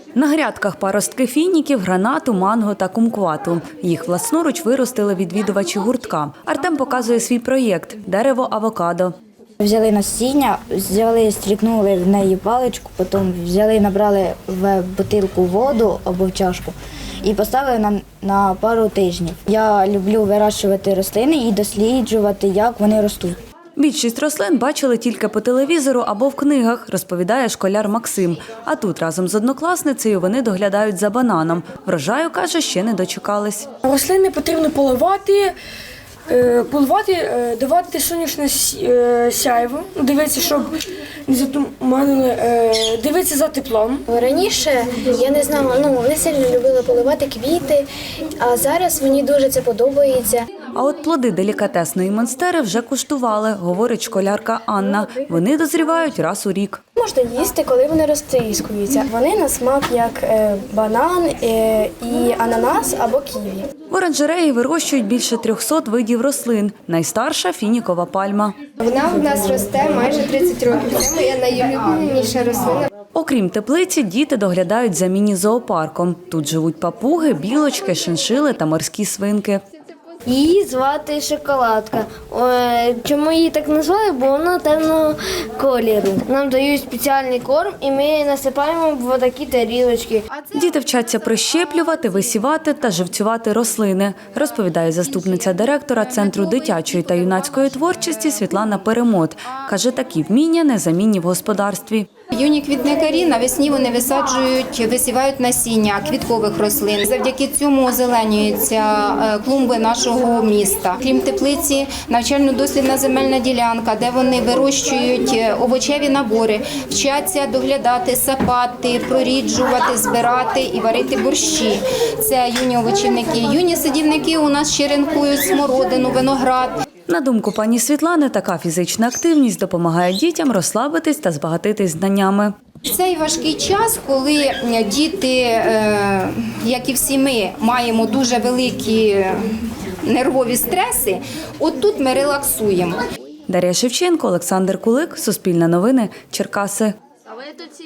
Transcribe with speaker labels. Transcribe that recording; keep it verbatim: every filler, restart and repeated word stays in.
Speaker 1: На грядках паростки фініків, гранату, манго та кумквату. Їх власноруч виростили відвідувачі гуртка. Артем показує свій проєкт – дерево авокадо.
Speaker 2: Взяли насіння, взяли, стрікнули в неї паличку, потім взяли, набрали в бутилку воду або в чашку і поставили на, на пару тижнів. Я люблю вирощувати рослини і досліджувати, як вони ростуть.
Speaker 1: Більшість рослин бачили тільки по телевізору або в книгах, розповідає школяр Максим. А тут разом з однокласницею вони доглядають за бананом. Врожаю, каже, ще не дочекались.
Speaker 3: Рослини потрібно поливати, поливати, давати сонячне сяйво, дивитися, щоб не затуманили, дивитися за теплом.
Speaker 4: Раніше я не знала, ну не сильно любила поливати квіти, а зараз мені дуже це подобається.
Speaker 1: А от плоди делікатесної монстери вже куштували, говорить школярка Анна. Вони дозрівають раз у рік.
Speaker 4: Можна їсти, коли вони розтріскуються. Вони на смак як е, банан е, і ананас або ківі.
Speaker 1: В оранжереї вирощують більше трьохсот видів рослин. Найстарша – фінікова пальма.
Speaker 4: Вона в нас росте майже тридцять років. Це моя найулюбленіша рослина.
Speaker 1: Окрім теплиці, діти доглядають за міні-зоопарком. Тут живуть папуги, білочки, шиншили та морські свинки.
Speaker 2: Її звати Шоколадка. Чому її так назвали? Бо вона темного кольору. Нам дають спеціальний корм і ми насипаємо в такі тарілочки.
Speaker 1: Діти вчаться прищеплювати, висівати та живцювати рослини, розповідає заступниця директора Центру дитячої та юнацької творчості Світлана Перемот. Каже, такі вміння незамінні в господарстві.
Speaker 5: Юні квітникарі навесні вони висаджують, висівають насіння квіткових рослин. Завдяки цьому озеленюються клумби нашого міста. Крім теплиці, навчально-дослідна земельна ділянка, де вони вирощують овочеві набори, вчаться доглядати, сапати, проріджувати, збирати і варити борщі. Це юні овочівники. Юні садівники у нас черенкують смородину, виноград.
Speaker 1: На думку пані Світлани, така фізична активність допомагає дітям розслабитись та збагатитись знаннями.
Speaker 5: Цей важкий час, коли діти, як і всі ми, маємо дуже великі нервові стреси, от тут ми релаксуємо.
Speaker 1: Дар'я Шевченко, Олександр Кулик, Суспільне новини, Черкаси.